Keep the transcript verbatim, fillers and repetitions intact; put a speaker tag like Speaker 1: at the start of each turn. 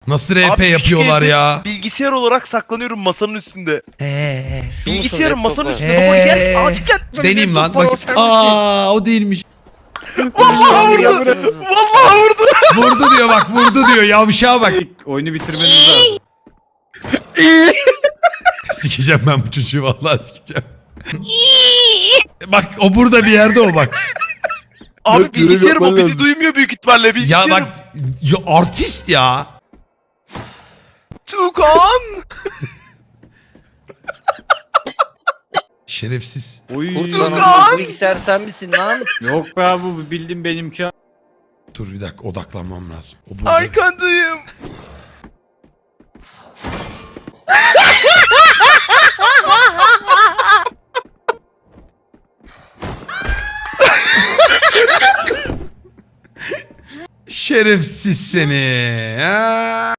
Speaker 1: Nasıl R P
Speaker 2: Abi,
Speaker 1: yapıyorlar
Speaker 2: üç
Speaker 1: ya?
Speaker 2: Bilgisayar olarak saklanıyorum masanın üstünde.
Speaker 1: Eee.
Speaker 2: Bilgisayarın masanın
Speaker 3: laptopu?
Speaker 2: üstünde. Baba gel
Speaker 1: Eee.
Speaker 2: acil gel.
Speaker 1: Deneyim lan.
Speaker 2: Laptop var, o
Speaker 1: Bak.
Speaker 2: sen misin?
Speaker 1: Aa, o değilmiş.
Speaker 2: Vallahi vurdu.
Speaker 3: Yaptınız.
Speaker 2: Vallahi vurdu.
Speaker 1: Vurdu diyor bak, vurdu diyor. Yavşağa bak.
Speaker 4: Oyunu bitirmeniz lazım.
Speaker 1: Sikeceğim ben bu çocuğu, vallahi sikeceğim. Bak o burada bir yerde o bak.
Speaker 2: Abi
Speaker 4: Yok, görev
Speaker 2: bilgisayarım o
Speaker 4: yapman
Speaker 2: bizi
Speaker 4: lazım.
Speaker 2: duymuyor büyük ihtimalle
Speaker 1: Ya
Speaker 2: bilgisayarım.
Speaker 1: bak ya artist ya.
Speaker 2: Tukan.
Speaker 1: Şerefsiz.
Speaker 4: Oy.
Speaker 3: Kurtulan
Speaker 2: Tugan!
Speaker 3: o bilgisayar sen misin lan?
Speaker 4: Yok be abi, bu bildiğin benimki.
Speaker 1: Dur bir dakika, odaklanmam lazım. O burada.
Speaker 2: Arkandayım.
Speaker 1: Şerefsiz seni. Ha?